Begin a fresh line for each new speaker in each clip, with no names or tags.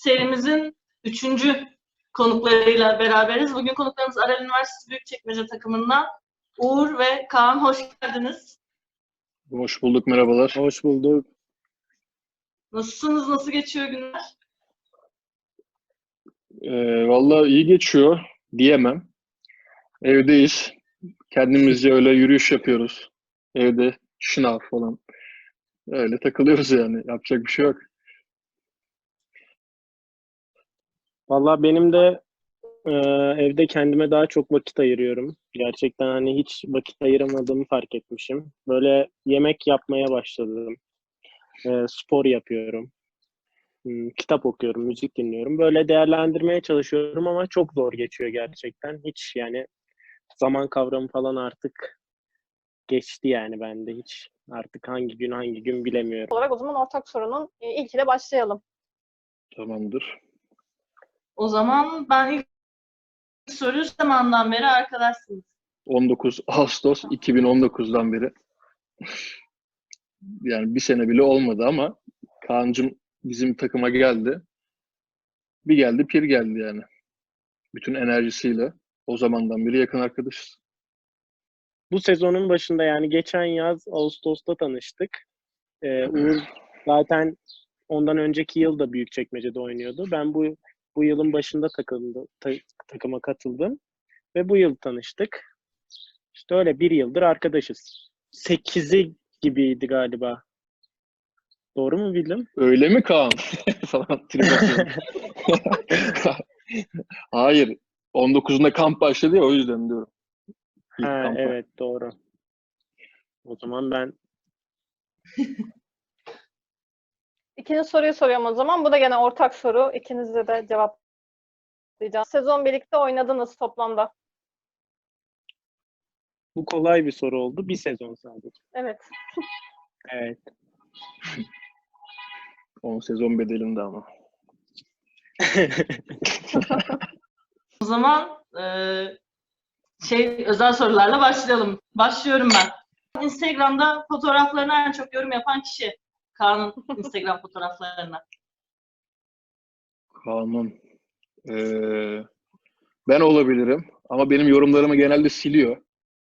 serimizin 3. konuklarıyla beraberiz. Bugün konuklarımız Aral Üniversitesi Büyükçekmece takımından Uğur ve Kaan. Hoş geldiniz.
Hoş bulduk, merhabalar.
Hoş bulduk.
Nasılsınız? Nasıl geçiyor günler?
Vallahi iyi geçiyor diyemem. Evdeyiz. Kendimizce öyle yürüyüş yapıyoruz. Evde şınav falan. Öyle takılıyoruz yani. Yapacak bir şey yok.
Vallahi benim de evde kendime daha çok vakit ayırıyorum. Gerçekten hani hiç vakit ayıramadığımı fark etmişim. Böyle yemek yapmaya başladım. Spor yapıyorum. Kitap okuyorum, müzik dinliyorum. Böyle değerlendirmeye çalışıyorum ama çok zor geçiyor gerçekten. Hiç yani zaman kavramı falan artık geçti yani bende hiç. Artık hangi gün bilemiyorum.
Olarak o zaman ortak sorunun ilkiyle başlayalım.
Tamamdır.
O zaman ben ilk soruyu zamandan beri arkadaşsınız.
19 Ağustos 2019'dan beri. Yani bir sene bile olmadı ama Kaan'cığım bizim takıma geldi. Bir geldi, pir geldi yani. Bütün enerjisiyle. O zamandan beri yakın arkadaşız.
Bu sezonun başında yani geçen yaz Ağustos'ta tanıştık. Uğur zaten ondan önceki yıl da Büyükçekmece'de oynuyordu. Ben bu yılın başında takıma katıldım ve bu yıl tanıştık. İşte öyle bir yıldır arkadaşız. 8'i gibiydi galiba. Doğru mu bildim?
Öyle mi Kaan? Falan trip atıyorum. Hayır. 19'unda kamp başladı ya, o yüzden diyorum. İlk
Ha,
kampa.
evet doğru. O zaman ben
İkinci soruyu soruyorum o zaman. Bu da gene ortak soru. İkinizle de cevaplayacağım. Sezon birlikte oynadınız toplamda.
bu kolay bir soru oldu. Bir sezon sadece.
Evet.
Evet.
10 sezon bedelinde ama.
O zaman özel sorularla başlayalım. Başlıyorum ben. Instagram'da fotoğraflarına en çok yorum yapan kişi. Kaan'ın Instagram fotoğraflarına.
Kaan'ın. Ben olabilirim ama benim yorumlarımı genelde siliyor.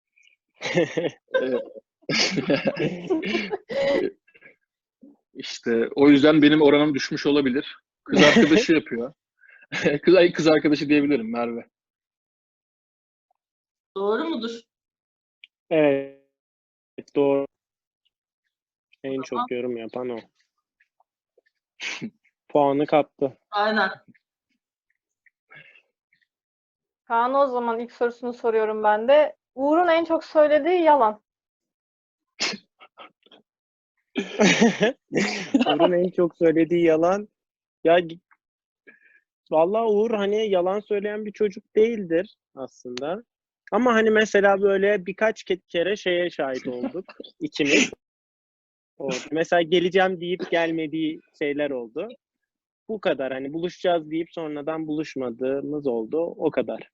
İşte o yüzden benim oranım düşmüş olabilir. Kız arkadaşı yapıyor. Kız arkadaşı diyebilirim, Merve.
Doğru mudur?
Evet, doğru. En
Tamam.
çok yorum yapan o. Puanı kaptı.
Aynen.
Kaan, o zaman ilk sorusunu soruyorum ben de. Uğur'un en çok söylediği yalan.
Uğur'un en çok söylediği yalan. Ya vallahi Uğur hani yalan söyleyen bir çocuk değildir aslında. Ama hani mesela böyle birkaç kere şeye şahit olduk ikimiz. Mesela geleceğim deyip gelmediği şeyler oldu. Bu kadar, hani buluşacağız deyip sonradan buluşmadığımız oldu. O kadar.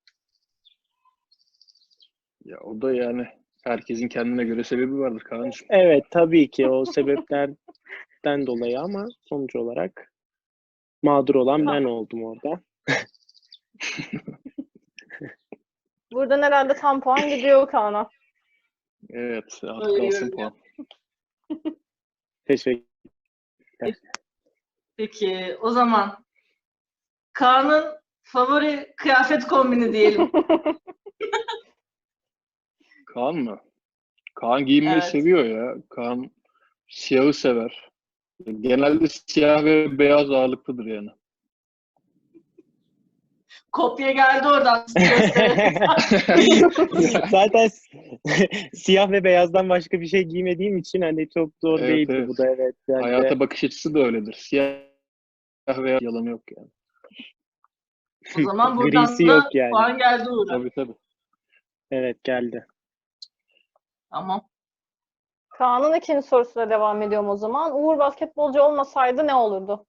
Ya o da yani herkesin kendine göre sebebi vardır Kaan'cığım.
Evet, tabii ki o sebeplerden dolayı ama sonuç olarak mağdur olan ben oldum orada.
Buradan herhalde tam puan gidiyor Kaan'a.
Evet, az
Öyle
kalsın
görünüyor.
puan.
Teşekkür.
Peki o zaman Kaan'ın favori kıyafet kombini diyelim.
Kaan mı? Kaan giyinmeyi
Evet.
seviyor ya. Kaan siyahı sever. Genelde siyah ve beyaz ağırlıklıdır yani.
Kopya geldi oradan.
Zaten siyah ve beyazdan başka bir şey giymediğim için hani çok zor
Evet,
değildi
evet.
bu da, evet. Yani
Hayata bakış açısı da öyledir. Siyah veya yalanı yok yani.
O zaman buradan
grisi
da
yok yani.
puan geldi Uğur'a.
Tabii tabii.
Evet, geldi.
Tamam.
Kaan'ın ikinci sorusuyla devam ediyorum o zaman. Uğur basketbolcu olmasaydı ne olurdu?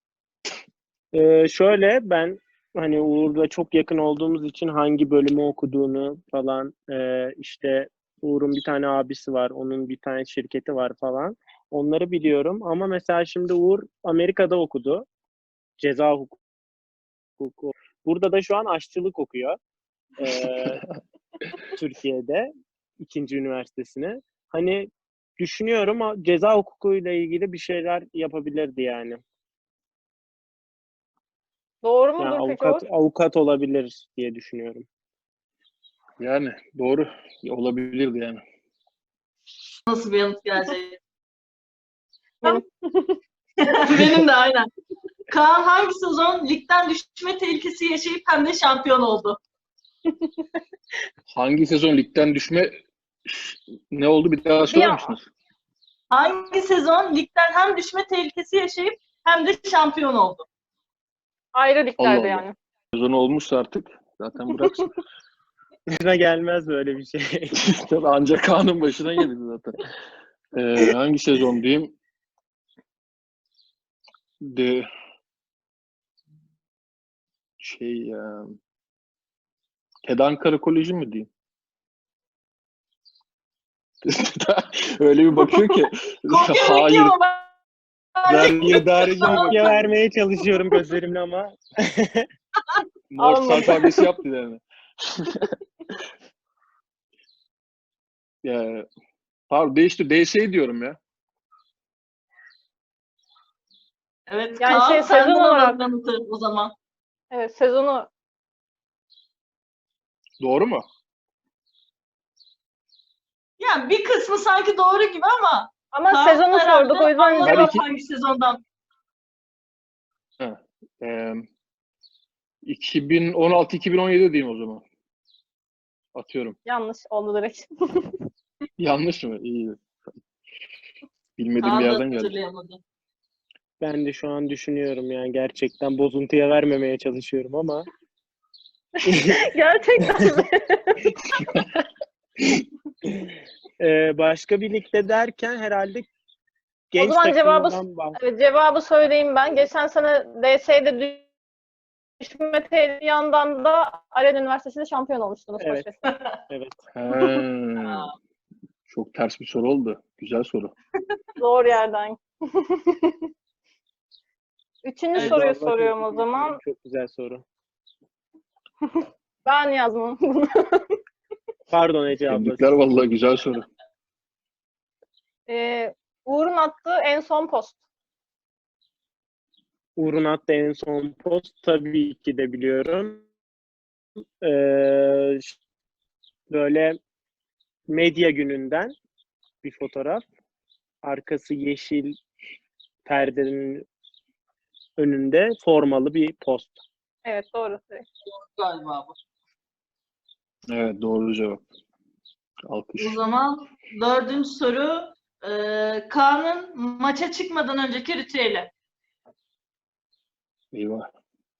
Şöyle, ben hani Uğur'la çok yakın olduğumuz için hangi bölümü okuduğunu falan, işte Uğur'un bir tane abisi var, onun bir tane şirketi var falan. Onları biliyorum ama mesela şimdi Uğur Amerika'da okudu. Ceza hukuku. Burada da şu an aşçılık okuyor. Türkiye'de ikinci üniversitesine. Hani düşünüyorum ama ceza hukukuyla ilgili bir şeyler yapabilirdi yani.
Doğru
Yani
mudur peki Uğur?
avukat olabilir diye düşünüyorum.
Yani doğru. Olabilirdi yani.
Nasıl bir yanıt gelecek?
Benim.
Benim de aynen. Kaan hangi sezon ligden düşme tehlikesi yaşayıp hem de şampiyon oldu?
Hangi sezon ligden düşme ne oldu bir daha söyler misiniz?
Hangi sezon ligden hem düşme tehlikesi yaşayıp hem de şampiyon oldu?
Ayrı
Allah
liglerde
Allah.
yani.
Sezon olmuşsa artık zaten bıraksın.
Başına gelmez böyle bir şey.
Tabii ancak Kaan'ın başına geldi zaten. Hangi sezon diyeyim? De TED Ankara Koleji mi diyeyim? Öyle bir bakıyor ki
Kopya
hayır
bekliyorum ama
Darıcı kopya vermeye çalışıyorum gözlerimle ama.
Morse
Almadı.
alfabesi yaptı yani. Ya, pardon değişti. DS diyorum ya.
evet,
Yani
Kaan
şey,
senden
sezon olarak-
alalım yanıtı o zaman.
Evet, sezonu
Doğru mu?
Yani bir kısmı sanki doğru gibi ama
ama
Kaan
sezonu
herhalde
sorduk o yüzden
anladı
Ben
cevap
iki-
hangi sezondan.
Ee, 2016-2017 diyeyim o zaman. Atıyorum.
yanlış oldu direkt.
Yanlış mı? İyi. Bilmediğim bir
Kaan da
yerden geldi.
hatırlayamadı.
Ben de şu an düşünüyorum yani gerçekten bozuntuya vermemeye çalışıyorum ama
Gerçekten mi?
başka bir ligde derken herhalde genç
zaman cevabı-
takımdan bahsediyorum.
Evet, cevabı söyleyeyim ben. Geçen sene DS'de düşme tehlikesi yandan da Alen Üniversitesi'nde şampiyon olmuştunuz.
Evet.
Koçbaşı.
Evet.
Çok ters bir soru oldu. Güzel soru.
Doğru yerden. Üçüncü
Evet,
soruyu
Vallahi
soruyorum o
tebrik
zaman.
ediyorum. Çok güzel soru.
Ben yazmam bunu.
Pardon Ece abla.
Tebrikler vallahi güzel soru.
Uğur'un attığı en son post.
Uğur'un attığı en son post tabii ki de biliyorum. Ee, Böyle medya gününden bir fotoğraf. Arkası yeşil perdenin önünde formalı bir post.
Evet, doğru.
Galiba bu.
Evet doğru cevap. Alkış.
O zaman dördüncü soru. Kaan'ın maça çıkmadan önceki ritüeli.
Eyvah.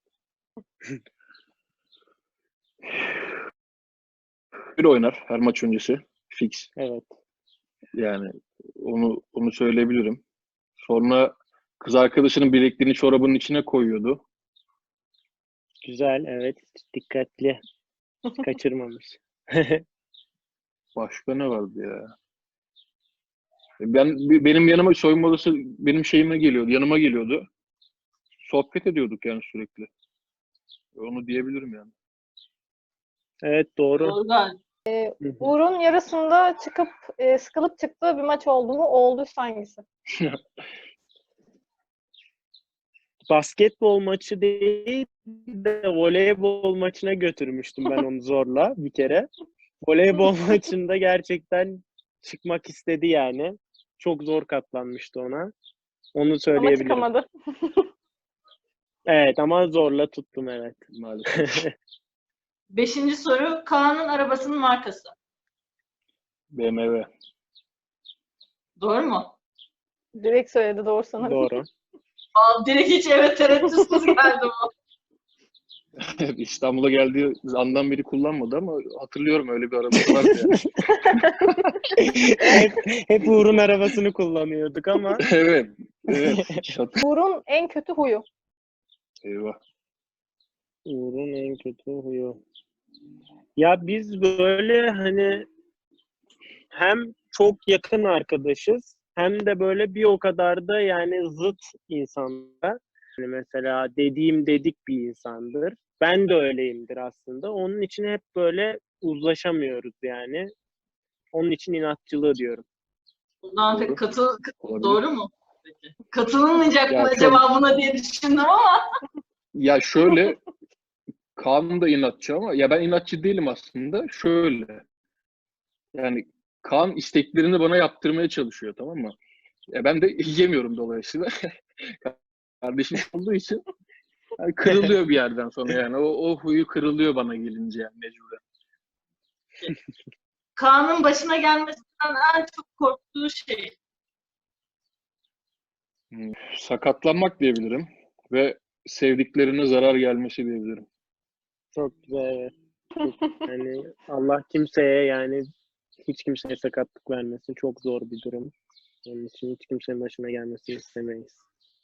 Bir oynar her maç öncesi. Fix.
Evet.
Yani onu söyleyebilirim. Sonra kız arkadaşının bilekliğini çorabının içine koyuyordu.
Güzel. Evet. Dikkatli. Kaçırmamış.
Başka ne vardı ya? Benim yanıma soyunma odası benim şeyime geliyordu, yanıma geliyordu. Sohbet ediyorduk yani sürekli. Onu diyebilirim yani.
Evet doğru.
Doğru galiba.
Hı hı.
Uğur'un yarısında çıkıp sıkılıp çıktığı bir maç oldu mu? Olduysa hangisi?
Basketbol maçı değil de voleybol maçına götürmüştüm ben onu zorla bir kere. Voleybol maçında gerçekten çıkmak istedi yani. Çok zor katlanmıştı ona. Onu
Ama
söyleyebilirim.
çıkamadı.
Evet ama zorla tuttum evet.
Maalesef.
Beşinci soru. Kaan'ın arabasının markası.
BMW.
Doğru mu?
Direkt söyledi doğru sanırım.
Doğru.
Direkt hiç evet tereddütsüz geldi bu.
İstanbul'a geldiği andan beri kullanmadı ama hatırlıyorum öyle bir arabası vardı yani.
hep Uğur'un arabasını kullanıyorduk ama
Evet.
Uğur'un en kötü huyu.
Eyvah.
Uğur'un en kötü huyu. Ya biz böyle hani hem çok yakın arkadaşız hem de böyle bir o kadar da yani zıt insanlar. Yani mesela dediğim dedik bir insandır. Ben de öyleyimdir aslında. Onun için hep böyle uzlaşamıyoruz yani. Onun için inatçılığı diyorum.
Buradan pek
Olabilir.
doğru mu? Peki. Katılınmayacak
Ya
mı
şöyle-
cevabına diye düşündüm ama
Ya şöyle, Kaan da inatçı ama ya ben inatçı değilim aslında. Şöyle, yani Kaan isteklerini bana yaptırmaya çalışıyor, tamam mı? Ben de yemiyorum dolayısıyla. Kardeşim olduğu için yani kırılıyor bir yerden sonra yani. O huyu kırılıyor bana gelince yani mecburen.
Kaan'ın başına gelmesinden en çok korktuğu şey.
Sakatlanmak diyebilirim ve sevdiklerine zarar gelmesi diyebilirim.
Çok güzel. Evet. Yani Allah kimseye yani hiç kimseye sakatlık vermesin. Çok zor bir durum. Onun için hiç kimsenin başına gelmesini istemeyiz.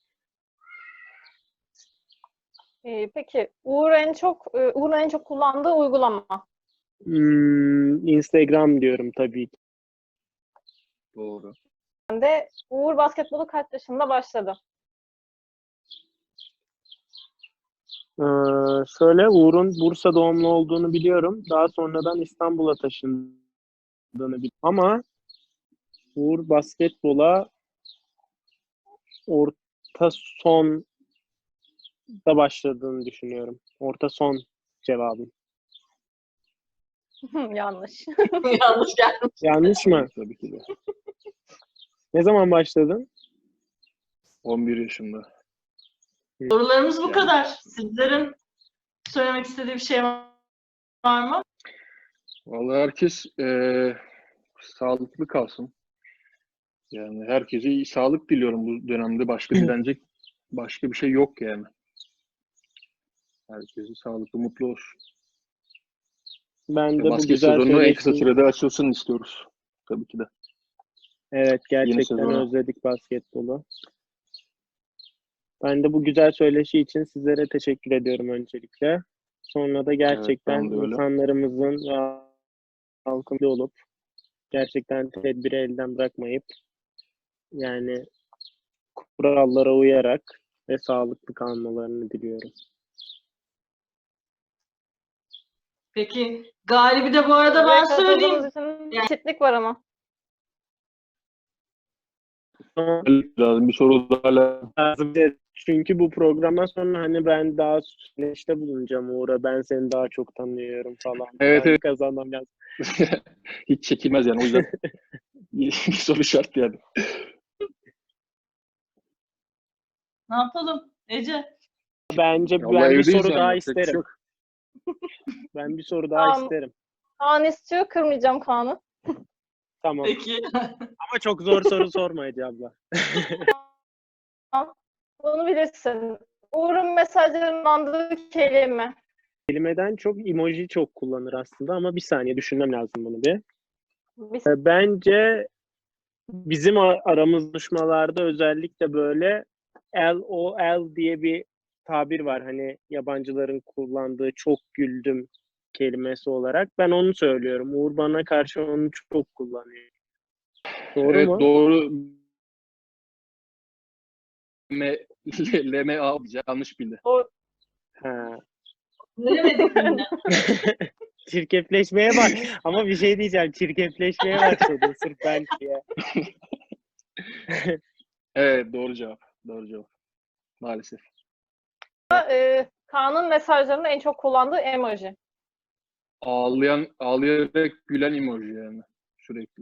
Peki Uğur'un en çok kullandığı uygulama.
Instagram diyorum tabii ki.
Doğru.
Uğur basketbolu kaç yaşında başladı?
Şöyle Uğur'un Bursa doğumlu olduğunu biliyorum. Daha sonradan İstanbul'a taşındığını biliyorum. Ama Uğur basketbola orta sonda başladığını düşünüyorum. Orta son cevabım.
Yanlış.
Yanlış geldi.
Yanlış mı?
Tabii ki de.
Ne zaman başladın?
11 yaşında.
Sorularımız bu
Yani.
kadar. Sizlerin söylemek istediği bir şey var mı?
Vallahi herkes sağlıklı kalsın. Yani herkese iyi sağlık diliyorum bu dönemde. Başka dilenecek başka bir şey yok yani. Herkese sağlıklı, mutlu olsun.
Ben
Ve
de bu
basket
güzel
sezonu en kısa
söyleşi...
sürede açılsın istiyoruz. Tabii ki de.
Evet, gerçekten
sezona.
özledik basketbolu. Ben de bu güzel söyleşi için sizlere teşekkür ediyorum öncelikle. Sonra da gerçekten
ben de öyle.
insanlarımızın ve halkın olup gerçekten tedbiri elden bırakmayıp yani kurallara uyarak ve sağlıklı kalmalarını diliyorum.
Peki galibi de bu arada ben söyleyeyim.
Katıldığınız için eşitlik var ama.
Lazım bir soru daha
Lazım. Çünkü bu programdan sonra hani ben daha söyleşte bulunacağım Uğur'a. Ben seni daha çok tanıyorum falan.
Evet,
Ben
evet.
kazanmam lazım.
Hiç çekilmez yani. O yüzden bir soru şart yani.
Ne yapalım Ece?
Bence
Vallahi
ben bir
evdeyiz
soru
yani,
daha
yapacak bir şey
isterim.
yok.
Ben bir soru daha
Tamam.
isterim.
Kaan istiyor, kırmayacağım Kaan'ı.
Tamam.
Peki.
Ama çok zor soru sorma Ece abla.
Bunu bilirsin. Uğur'un mesajlarının andığı kelime.
Kelimeden çok emoji çok kullanır aslında ama bir saniye düşünmem lazım bunu bir.
Bir-
Bence bizim aramız buluşmalarda özellikle böyle LOL diye bir tabir var. Hani yabancıların kullandığı çok güldüm kelimesi olarak. Ben onu söylüyorum. Uğur bana karşı onu çok kullanıyor. Doğru
Evet,
mu?
doğru. LMA alacağım. Yanlış bildi.
Ha.
Bilemedik yine.
Çirkefleşmeye bak. Ama bir şey diyeceğim. Çirkefleşmeye başladın sırf ben diye.
Evet, doğru cevap. Doğru cevap. Maalesef.
Kaan'ın mesajlarında en çok kullandığı emoji.
Ağlayarak gülen emoji yani. Sürekli.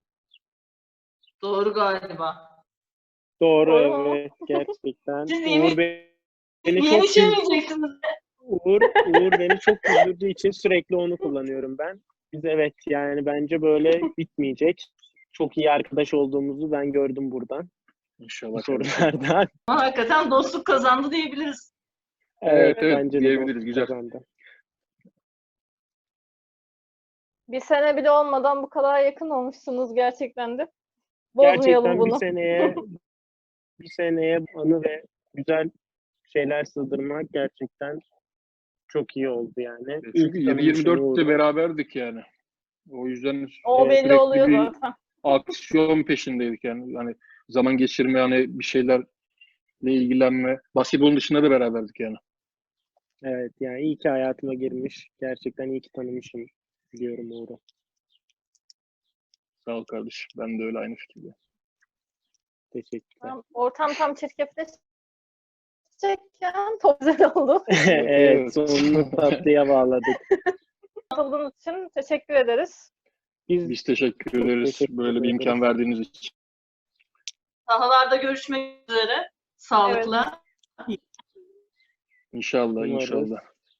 Doğru galiba.
Doğru,
Doğru mu?
evet, gerçekten.
Siz
Uğur beni çok
Yemeyeceksiniz.
Uğur beni çok güldürdüğü için sürekli onu kullanıyorum ben. Biz evet yani bence böyle bitmeyecek. Çok iyi arkadaş olduğumuzu ben gördüm buradan. Bu
İnşallah.
sorulardan.
Ama hakikaten dostluk kazandı diyebiliriz.
Evet,
Bence de
diyebiliriz.
dostluk
Güzel.
kazandı.
Bir sene bile olmadan bu kadar yakın olmuşsunuz gerçekten de. Bozmayalım
Gerçekten
bunu.
bir seneye anı ve güzel şeyler sığdırmak gerçekten çok iyi oldu yani.
Çünkü
İyi ki tanımışım
7-24'te
Uğur'u.
beraberdik yani. O yüzden
O belli
sürekli
oluyor
bir
zaten.
aksiyon peşindeydik yani. Hani zaman geçirme, hani bir şeyler ilgilenme. Basketbolun dışında da beraberdik yani.
Evet yani iyi ki hayatıma girmiş. Gerçekten iyi ki tanımışım diyorum Uğur'u.
Sağ ol kardeşim. Ben de öyle aynı fikirde.
Teşekkürler.
Ortam tam çirkefleşecekken çok güzel oldu.
Evet, sonunu tatlıya bağladık.
Katıldığınız için teşekkür ederiz.
Biz teşekkür
Çok
ederiz
teşekkür
böyle bir imkan
ederiz.
verdiğiniz için.
Sahalarda görüşmek üzere. Sağlıkla.
İnşallah,
Umarız.
inşallah.